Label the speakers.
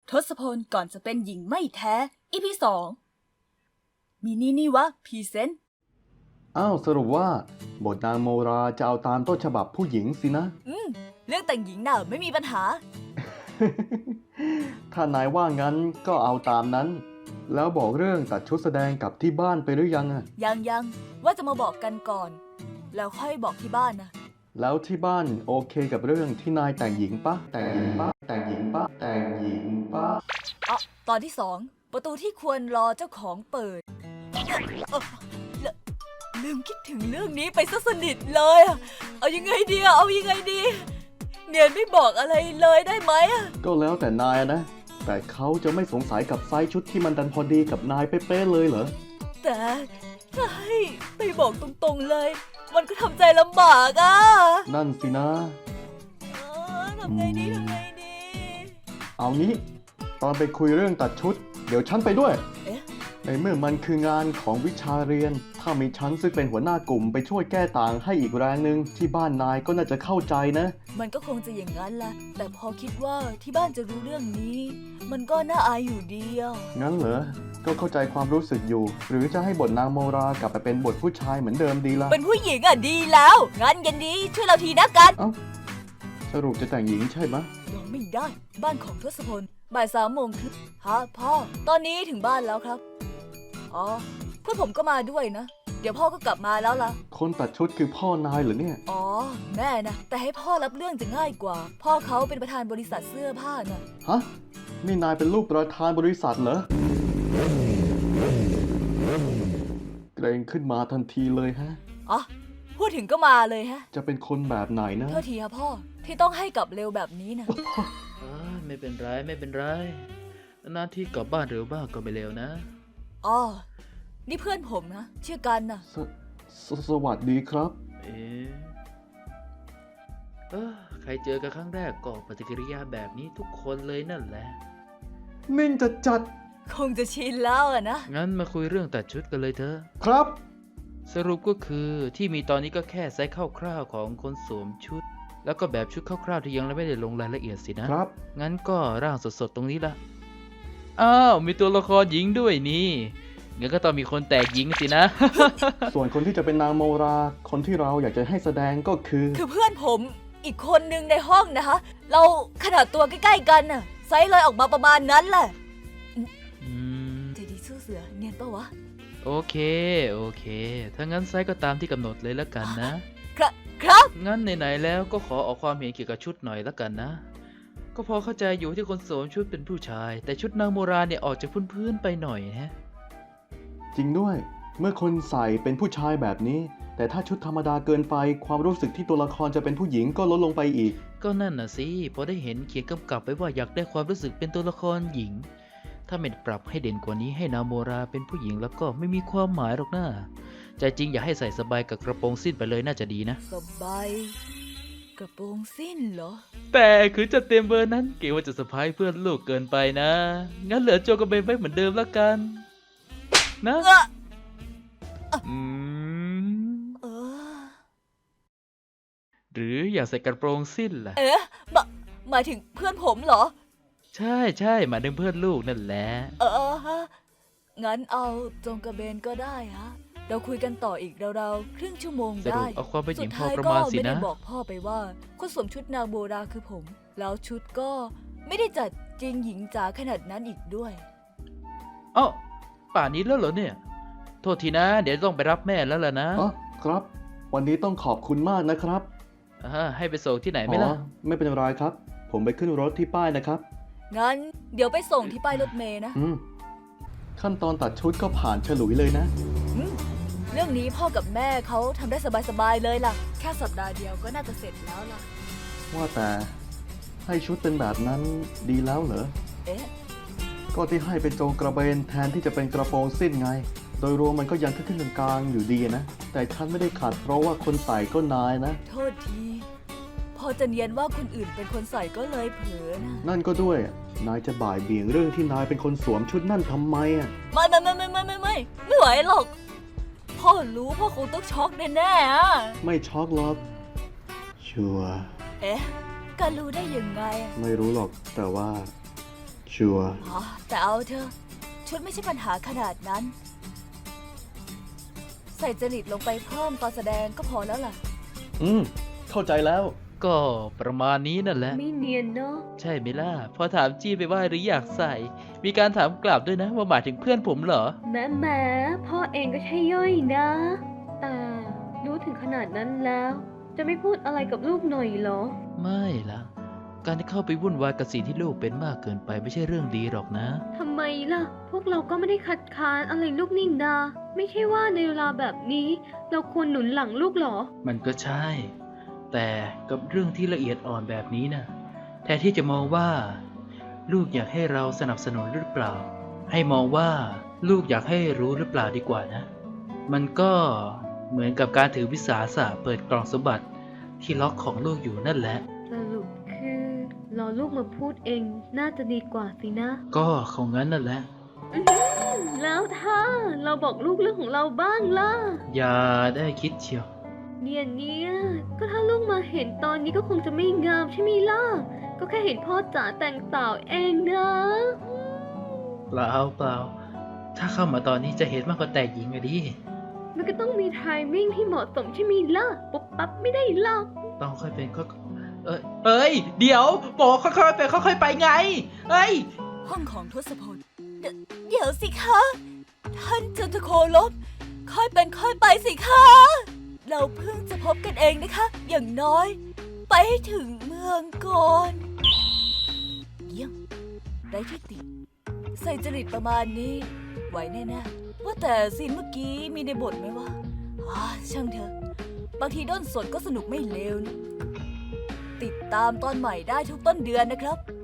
Speaker 1: ทศพลก่อนจะเป็นหญิงไม่แท้ EP 2มีนี่วะพรีเซนต์
Speaker 2: อ้าวสรุปว่าบทนางโมราจะเอาตามต้นฉบับผู้หญิงสินะ
Speaker 1: เรื่องแต่งหญิงน่ะไม่มีปัญหา
Speaker 2: ถ้านายว่างั้นก็เอาตามนั้น แล้วบอกเรื่องตัดชุดแสดงกับที่บ้านไปหรือยังอะ
Speaker 1: ยังว่าจะมาบอกกันก่อน แล้วค่อยบอกที่บ้านนะ
Speaker 2: แล้วที่บ้านโอเคกับเรื่องที่นายแต่งหญิงปะแต่งหญิงปะแต่งหญิงปะแต่งหญิงปะ
Speaker 1: ตอนที่2ประตูที่ควรรอเจ้าของเปิดลืมคิดถึงเรื่องนี้ไปซะสนิทเลยเอายังไงดีเนียนไม่บอกอะไรเลยได้ไหม
Speaker 2: ก็แล้วแต่นายนะ แต่เขาจะไม่สงสัยกับไซส์ชุดที่มันดันพอดีกับนายเป๊ะๆเลยเหรอ
Speaker 1: แต่ถ้าให้ไปบอกตรงๆเลย มันก็ทำใจลำบาก
Speaker 2: นั่นสินะ
Speaker 1: ทำไงดี
Speaker 2: เอางี้ตอนไปคุยเรื่องตัดชุดเดี๋ยวฉันไปด้วย
Speaker 1: เอ๊ะ
Speaker 2: ในเมื่อมันคืองานของวิชาเรียน ถ้ามีฉันซึ่งเป็นหัวหน้ากลุ่มไปช่วยแก้ต่างให้อีกแรงหนึ่งที่บ้านนายก็น่าจะเข้าใจนะ
Speaker 1: มันก็คงจะอย่างนั้นแหละแต่พอคิดว่าที่บ้านจะรู้เรื่องนี้ มันก็น่าอายอยู่ดี
Speaker 2: งั้นเหรอ ก็เข้าใจความรู้สึกอยู่ หรือจะให้บทนางโมรากลับไปเป็นบทผู้ชายเหมือนเดิมดีล่ะ
Speaker 1: เป็นผู้หญิงดีแล้วงั้นยันดีช่วยเราทีนะกัน
Speaker 2: เอ้าสรุปจะแต่งหญิงใช่ไหมะ
Speaker 1: ยอมไม่ได้บ้านของทศพลบ่าย3 โมงครึ่งฮะพ่อตอนนี้ถึงบ้านแล้วครับอ๋อเพื่อนผมก็มาด้วยนะเดี๋ยวพ่อก็กลับมาแล้วล่ะ
Speaker 2: คนตัดชุดคือพ่อนายเหรอเนี่ย
Speaker 1: อ๋อแม่นะแต่ให้พ่อรับเรื่องจะง่ายกว่า พ่อเขาเป็นประธานบริษัทเสื้อผ้านะ
Speaker 2: ฮะนี่นายเป็นลูกประธานบริษัทเหรอเกรงขึ้นมาทันทีเลยฮะ
Speaker 1: อ๋อพูดถึงก็มาเลยฮะ
Speaker 2: จะเป็นคนแบบไหนนะ
Speaker 1: โทษทีครับพ่อที่ต้องให้กลับเร็วแบบนี้นะ
Speaker 3: ไม่เป็นไรนานๆที่กลับบ้านเร็วบ้างก็ไม่เร็วนะ
Speaker 1: อ๋อนี่เพื่อนผมนะชื่อกันนะ
Speaker 2: สวัสดีครับ
Speaker 3: ใครเจอกันครั้งแรกก็ปฏิกิริยาแบบนี้ทุกคนเลยนั่นแหละ
Speaker 2: นิ่งจัด
Speaker 1: คงจะชินแล้วนะ
Speaker 3: งั้นมาคุยเรื่องตัดชุดกันเลยเถอะ
Speaker 2: ครับ
Speaker 3: สรุปก็คือที่มีตอนนี้ก็แค่ไซส์คร่าวๆของคนสวมชุด แล้วก็แบบชุดคร่าวๆที่ยังไม่ได้ลงรายละเอียดสินะครับ งั้นก็ร่างสดๆตรงนี้ละอ้าวมีตัวละครหญิงด้วยนี่งั้นก็ต้องมีคนแตกหญิงสินะ
Speaker 2: ส่วนคนที่จะเป็นนางโมรา คนที่เราอยากจะให้แสดงก็คือ
Speaker 1: คือเพื่อนผมอีกคนนึงในห้องนะคะเราขนาดตัวใกล้ๆกันน่ะไซส์เลยออกมาประมาณนั้นแหละใจดีสู้เสือเนียนปะวะ
Speaker 3: โอเคถ้างั้นไซส์ก็ตามที่กำหนดเลยแล้วกันนะ
Speaker 1: ครับ
Speaker 3: งั้นไหนๆแล้วก็ขอออกความเห็นเกี่ยวกับชุดหน่อยแล้วกันนะ ก็พอเข้าใจอยู่ที่คนสวมชุดเป็นผู้ชาย แต่ชุดนางโบราณเนี่ยออกจากพื้นๆไปหน่อยฮะ
Speaker 2: จริงด้วย เมื่อคนใส่เป็นผู้ชายแบบนี้ แต่ถ้าชุดธรรมดาเกินไป ความรู้สึกที่ตัวละครจะเป็นผู้หญิงก็ลดลงไปอีก
Speaker 3: ก็นั่นน่ะสิพอได้เห็นเขียนกำกับไว้ว่าอยากได้ความรู้สึกเป็นตัวละครหญิง ถ้าไม่ปรับให้เด่นกว่านี้ให้นางโมราเป็นผู้หญิงแล้วก็ไม่มีความหมายหรอกนะใจจริงอยากให้ใส่สบายกับกระโปรงสิ้นไปเลยน่าจะดีนะ
Speaker 1: สบายกระโปรงสิ้นเหรอ
Speaker 3: แต่คือจะเต็มเบอร์นั้นเกรงว่าจะเซอร์ไพรส์เพื่อนลูกเกินไปนะ งั้นเหลือโจกับเบนไว้เหมือนเดิมแล้วกัน นะ
Speaker 1: เออ
Speaker 3: หรืออยากใส่กระโปรงสิ้นล่ะ
Speaker 1: หมายถึงเพื่อนผมเหรอ
Speaker 3: ใช่หมายถึงเพื่อนลูกนั่นแหละ
Speaker 1: งั้นเอาจงกระเบนก็ได้ฮะเราคุยกันต่ออีกราวๆครึ่งชั่วโมง
Speaker 3: สรุ
Speaker 1: ได้
Speaker 3: ปเอาความเป็นห
Speaker 1: สุ
Speaker 3: ญิ
Speaker 1: ด
Speaker 3: งพอ
Speaker 1: ท้าย
Speaker 3: ประ
Speaker 1: ก็
Speaker 3: มาณสิ
Speaker 1: ไม่ได้
Speaker 3: นะ
Speaker 1: บอกพ่อไปว่าคนสวมชุดนางโบราคือผม แล้วชุดก็ไม่ได้จัดจริงหญิงจ๋าขนาดนั้นอีกด้วย
Speaker 3: เอ้าป่านนี้แล้วเหรอเนี่ย โทษทีนะ เดี๋ยวต้องไปรับแม่แล้วล่ะนะ
Speaker 2: อ๋อ ครับ วันนี้ต้องขอบคุณมากนะครับ
Speaker 3: ให้ไปส่งที่ไหนไหมล่ะ
Speaker 2: ไม่เป็นไรครับ ผมไปขึ้นรถที่ป้ายนะครับ
Speaker 1: งั้นเดี๋ยวไปส่งที่ป้ายรถเมล์นะ
Speaker 2: ขั้นตอนตัดชุดก็ผ่านฉลุยเลยนะ
Speaker 1: เรื่องนี้พ่อกับแม่เขาทำได้สบายๆเลยล่ะ แค่สัปดาห์เดียวก็น่าจะเสร็จแล้วล่ะ
Speaker 2: ว่าแต่ให้ชุดเป็นแบบนั้นดีแล้วเหรอ
Speaker 1: เอ๊ะ
Speaker 2: ก็ที่ให้เป็นโจงกระเบนแทนที่จะเป็นกระโปรงสิ้นไง โดยรวมมันก็ยังขึ้นกลางๆอยู่ดีนะ แต่ฉันไม่ได้ขัดเพราะว่าคนใส่ก็นายนะ
Speaker 1: โทษที พอจะเนียนว่าคนอื่นเป็นคนใส่ก็เลยเผลอนะ
Speaker 2: นั่นก็ด้วย นายจะบ่ายเบี่ยงเรื่องที่นายเป็นคนสวมชุดนั่นทำไมอ่ะ
Speaker 1: ไม่ไหวหรอก พ่อรู้พ่อคงต้องช็อกแน่ๆอะ
Speaker 2: ไม่ช็อกหรอก ชัวร์
Speaker 1: เอ๊ะการรู้ได้ยังไงอะ
Speaker 2: ไม่รู้หรอก แต่ว่า ชชัวร์
Speaker 1: อ๋อแต่เอาเถอะชุดไม่ใช่ปัญหาขนาดนั้น ใส่จริตลงไปเพิ่มตอนแสดงก็พอแล้วล่ะ
Speaker 2: เข้าใจแล้ว
Speaker 3: ก็ประมาณนี้นั่นแหละ
Speaker 4: ไม่เนียนเนาะ
Speaker 3: ใช่ไหมล่ะ พอถามจี้ไปว่าหรืออยากใส่ มีการถามกลับด้วยนะว่าหมายถึงเพื่อนผมเหรอ
Speaker 4: แหมพ่อเองก็ใช่ย่อยนะ แต่รู้ถึงขนาดนั้นแล้ว จะไม่พูดอะไรกับลูกหน่อยเหรอ
Speaker 3: ไม่ล่ะ การที่เข้าไปวุ่นวายกับสิ่งที่ลูกเป็นมากเกินไปไม่ใช่เรื่องดีหรอกนะ
Speaker 4: ทำไมล่ะ พวกเราก็ไม่ได้คัดค้านอะไรลูกนี่นา ไม่ใช่ว่าในเวลาแบบนี้ เราควรหนุนหลังลูกเหรอ
Speaker 3: มันก็ใช่ แต่กับเรื่องที่ละเอียดอ่อนแบบนี้นะแทนที่จะมองว่า ลูกอยากให้เราสนับสนุนหรือเปล่า ให้มองว่าลูกอยากให้รู้หรือเปล่าดีกว่านะ มันก็เหมือนกับการถือวิสาสะเปิดกล่องสมบัติที่ล็อกของลูกอยู่นั่นแหละ
Speaker 4: สรุปคือรอลูกมาพูดเองน่าจะดีกว่าสินะ
Speaker 3: ก็คงงั้นนั่นแหละ
Speaker 4: แล้วถ้าเราบอกลูกเรื่องของเราบ้างล่ะ
Speaker 3: อย่าได้คิดเชียว
Speaker 4: เนี่ยก็ถ้าลูกมาเห็นตอนนี้ก็คงจะไม่งามใช่ไหมล่ะ ก็แค่เห็นพ่อจ๋าแต่งสาวเองนะ
Speaker 3: เปล่าเปล่า ถ้าเข้ามาตอนนี้จะเห็นมากกว่าแต่หญิงอะดิ
Speaker 4: มันก็ต้องมีไทมิ่งที่เหมาะสมใช่ไหมล่ะ ปุ๊บปั๊บไม่ได้หรอก
Speaker 3: ต้องค่อยเป็นค่อยเอ้ย เดี๋ยวบอกค่อยๆไปค่อยๆไปไง เอ้ย
Speaker 1: ห้องของทศพลเดี๋ยวสิคะ ท่านจันทโคลบค่อยเป็นค่อยไปสิคะ เราเพิ่งจะพบกันเองนะคะ อย่างน้อย ไปให้ถึงเมืองก่อน เยี่ยมไร้ที่ติใส่จริตประมาณนี้ ไหวแน่ๆว่าแต่ซีนเมื่อกี้มีในบทไหมวะช่างเถอะ บางทีด้นสดก็สนุกไม่เลวนะติดตามตอนใหม่ได้ทุกต้นเดือนนะครับ